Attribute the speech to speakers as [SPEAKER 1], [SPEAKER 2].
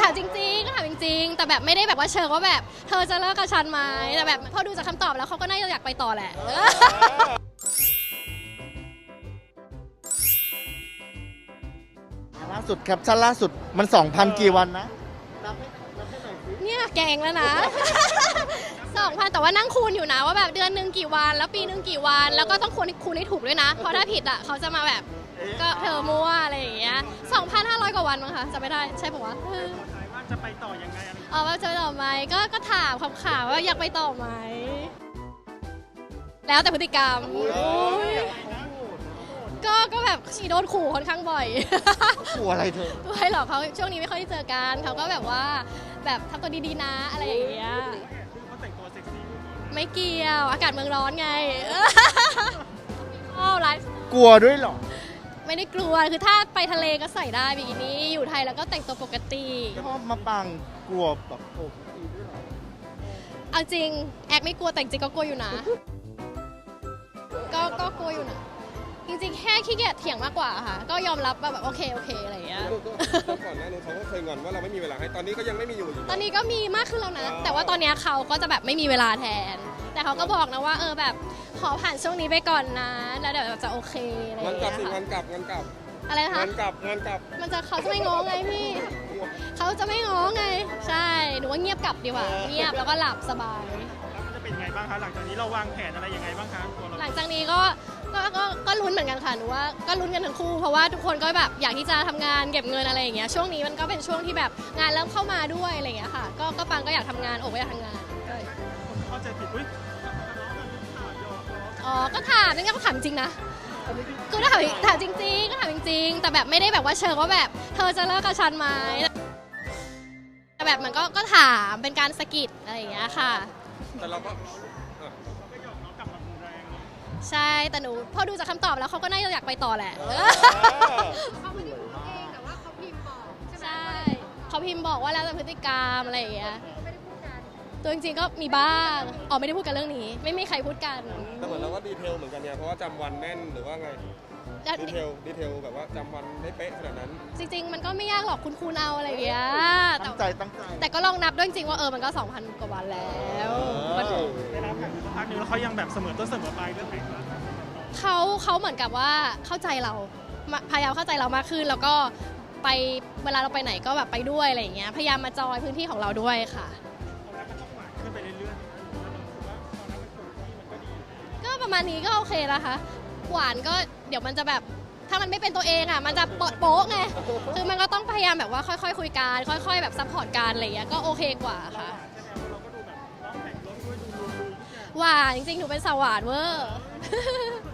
[SPEAKER 1] ถามจริงๆก็ถามจริงๆแต่แบบไม่ได้แบบว่าเชิงว่าแบบเธอจะเลิกกับฉันไหมแต่แบบพอดูจากคำตอบแล้วเขาก็น่าจะอยากไปต่อแหละ
[SPEAKER 2] ล่าสุดแคปชั่นล่าสุดมัน 2,000 กี่วันนะนับให้หน่อยสิ
[SPEAKER 1] เนี่ยแกงแล้วนะ2,000แต่ว่านั่งคูณอยู่นะว่าแบบเดือนหนึ่งกี่วันแล้วปีหนึ่งกี่วันแล้วก็ต้องคูณให้ถูกด้วยนะเพราะถ้าผิดอ่ะเขาจะมาแบบก็เธอมั่วอะไรอย่างเงี้ย2,500 กว่าวันมั้งคะจะไม่ได้ใช่ปะวะ
[SPEAKER 3] ว่าจะไปต่อยังไงอะไร
[SPEAKER 1] ว่าจะไปต่อไหมก็ถามคำข่าวว่าอยากไปต่อไหมแล้วแต่พฤติกรรมก็แบบชีโดนขู่ค่อนข้างบ่อย
[SPEAKER 2] ขู่อะไรเธอ
[SPEAKER 1] ไม่หรอกเขาช่วงนี้ไม่ค่อยได้เจอกันเขาก็แบบว่าแบบทำตัวดีๆนะอะไรอย่างเงี้ย
[SPEAKER 3] เขาแต่งตัวเซ็กซี่
[SPEAKER 1] ไม่เกี่ยวอากาศเมืองร้อนไงไลฟ์
[SPEAKER 2] กลัวด้วยเหรอ
[SPEAKER 1] ไม่ได้กลัวคือถ้าไปทะเลก็ใส่ได้บิกินี่อยู่ไทยแล้วก็แต่งตัวปกติ
[SPEAKER 2] ชอบมาปังกลัวแบบโอ้ยด้วยเหรอ
[SPEAKER 1] เอาจริงแอกไม่กลัวแต่จริงก็กลัวอยู่นะก็กลัวอยู่นะจริงๆแค่ขี้เกียจเถียงมากกว่าค่ะก็ยอมรับว่าแบบโอเคอะไรอย่างเงี้ย
[SPEAKER 4] ก่อนหน้านู้นเขาก็เคยงอนว่าเราไม่มีเวลาให้ตอนนี้ก็ยังไม่มีอยู่
[SPEAKER 1] ตอนนี้ก็มีมากขึ้นแล้วนะแต่ว่าตอนนี้เขาก็จะแบบไม่มีเวลาแทน แต่เขาก็บอกนะว่าแบบขอผ่านช่วงนี้ไปก่อนนะแล้วเดี๋ยวจะโอเคอะไรอย่าง
[SPEAKER 4] งานกลั
[SPEAKER 1] เงี้
[SPEAKER 4] บ
[SPEAKER 1] ย
[SPEAKER 4] สิ
[SPEAKER 1] ค่ะ
[SPEAKER 4] งานกลับ
[SPEAKER 1] อะไรนะคะ
[SPEAKER 4] งานกลับ
[SPEAKER 1] เขาจะไม่ง้อไงพี่เขาจะไม่ง้อไงใช่หนูว่าเงียบกลับดีกว่าเงียบแล้วก็หลับสบาย
[SPEAKER 3] แล้วมันจะเป็นยังไงบ้างคะหลังจากนี้เราวางแผนอะไรยังไงบ้างคะตัวเรา
[SPEAKER 1] หลังจากนี้ก็ลุ้นเหมือนกันค่ะหนูว่าก็ลุ้นกันทั้งคู่เพราะว่าทุกคนก็แบบอยากที่จะทำงานเก็บเงินอะไรอย่างเงี้ยช่วงนี้มันก็เป็นช่วงที่แบบงานเริ่มเข้ามาด้วยอะไรอย่างเงี้ยค่ะก็ปังก็อยากทำงานโอบก็อยากทำงานก็
[SPEAKER 3] คนเข้าใจผิดอุ้ยข่าวยอม
[SPEAKER 1] ก็ถามนี่ก็ถามจริงนะคือถ้าถามจริงๆก็ถามจริงๆแต่แบบไม่ได้แบบว่าเชิงว่าแบบเธอจะเลิกกับฉันไหมแต่แบบมันก็ถามเป็นการสะกิดอะไรอย่างเงี้ยค่ะ
[SPEAKER 4] แต่เราก็
[SPEAKER 3] ก็ยอมเรากลับมาบูแรง
[SPEAKER 1] ใช่แต่หนูพอดูจากคำตอบแล้วเขาก็น่าจะอยากไปต่อแหละเขาไม่ได้พูดเองแต่ว่าเขาพิมพ์บอกใช่เขาพิมพ์บอกว่าแล้วแต่พฤติกรรมอะไรอย่างเงี้ยตัวจริงๆก็มีบ้างไม่ได้พูดกันเรื่องนี้ ไม่มีใครพูดกัน
[SPEAKER 4] แต่เหมือนเราก็ดีเทลเหมือนกันเนี่ยเพราะว่าจำวันแน่นหรือว่าไงดีเทลแบบว่าจำวันได้เป๊ะขนาดนั้น
[SPEAKER 1] จริงๆมันก็ไม่ยากหรอกคุณครูเอาอะไรอย่างเงี้ย
[SPEAKER 2] ตั้งใจ
[SPEAKER 1] แต่ก็ลองนับด้วยจริงๆว่ามันก็ 2,000 กว่าวันแล้วมัน
[SPEAKER 3] ได้รับผ่านสักพักนึงแล้วเขายังแบบเสมอต้นเสมอปลายเรื่องไหนบ้าง
[SPEAKER 1] เขาเหมือนกับว่าเข้าใจเราพยายามเข้าใจเรามากขึ้นแล้วก็ไปเวลาเราไปไหนก็แบบไปด้วยอะไรอย่างเงี้ยพยายามมาจอยพื้นที่ของเราด้วยค่ะ
[SPEAKER 3] ตอนแรกมันต้องหวานขึ้นไปเรื่อยๆแล้วรู้สึกว่าตอนนั้นมันถูกที่มันก็ดี
[SPEAKER 1] ก็ประมาณนี้ก็โอเคนะคะ หวานก็เดี๋ยวมันจะแบบถ้ามันไม่เป็นตัวเองอ่ะมันจะโป๊ะไงคือมันก็ต้องพยายามแบบว่าค่อยๆคุยกันค่อยๆแบบซัพพอร์ตกันอะไรอย่างเงี้ยก็โอเคกว่าค่ะ
[SPEAKER 3] ใช่ไหมเราก็ดูแบบร้องแต่งรถด้วยดูทุกอย่าง
[SPEAKER 1] หวานจริงๆหนูเป็นสาวหวานเวอร์